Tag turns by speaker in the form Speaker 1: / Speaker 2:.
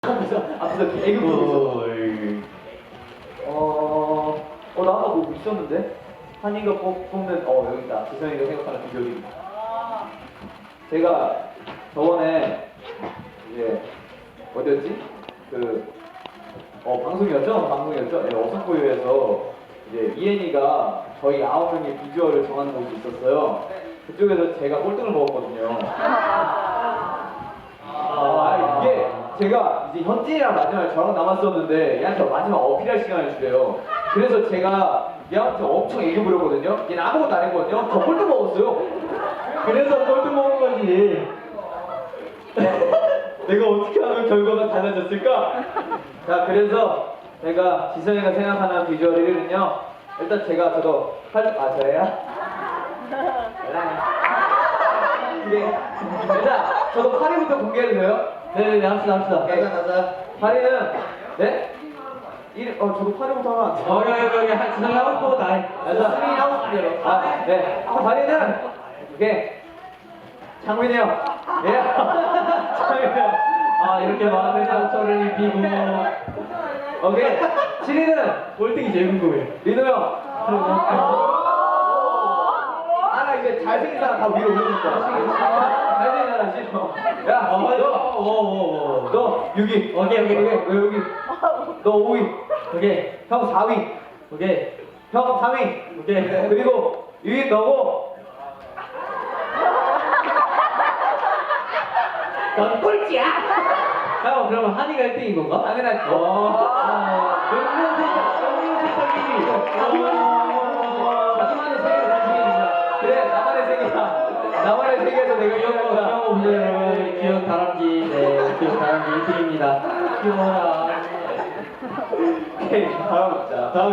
Speaker 1: 앞에서 애교 보고 나 아까 뭐 있었는데? 한이가 뽑는, 여기 있다. 지성이가 생각하는 비결이. 제가 저번에, 이제, 어디였지? 방송이었죠? 네, 어성고유에서, 이제, 이엔이가 저희 9명의 비주얼을 정하는 곳이 있었어요. 그쪽에서 제가 꼴등을 먹었거든요. 이게 제가 이제 현진이랑 마지막에 저랑 남았었는데 얘한테 마지막 어필할 시간을 주래요. 그래서 제가 얘한테 엄청 애교 부렸거든요. 얘는 아무것도 안 했거든요. 저 꼴등 먹었어요. 그래서 꼴등 먹은 거지. 내가 어떻게 하면 결과가 달라졌을까? 자, 그래서 제가 지성이가 생각하는 비주얼 1위는요. 일단 저도 저예요? 일단 저도 8위부터 공개해도 돼요? 네네네, 합시다. 가자. 8위는 네? 저도 8위부터 하면 안 돼요? 여기 지성이 하고 싶고 다 해. 수민이 하고 싶대요. 네. 8위는 이게 장민이 형. 예. 장민이 형. 이렇게 마음의 상처를 입히고. 오케이. 7위는 꼴등이 제일 궁금해. 민호 형. 이제 잘생긴 사람 다 위로 올려줄 거야. 잘생긴 사람 싫어. 야, 너 6위. 오케이. 너 여기. 너 5위. 오케이. 형 4위. 오케이. 형 3위. 오케이. 그리고 6위 너고. 넌 꼴찌야. 형, 그러면 한이가 1등인 건가? 당연하지. 명문 세탁 1위. 자기만의 세계를 나중해주자. 그래, 나만의 세계에서 내가 이런 거다. 여러분, 기억 다람쥐 1등입니다. 귀여워라. 오케이, 다음.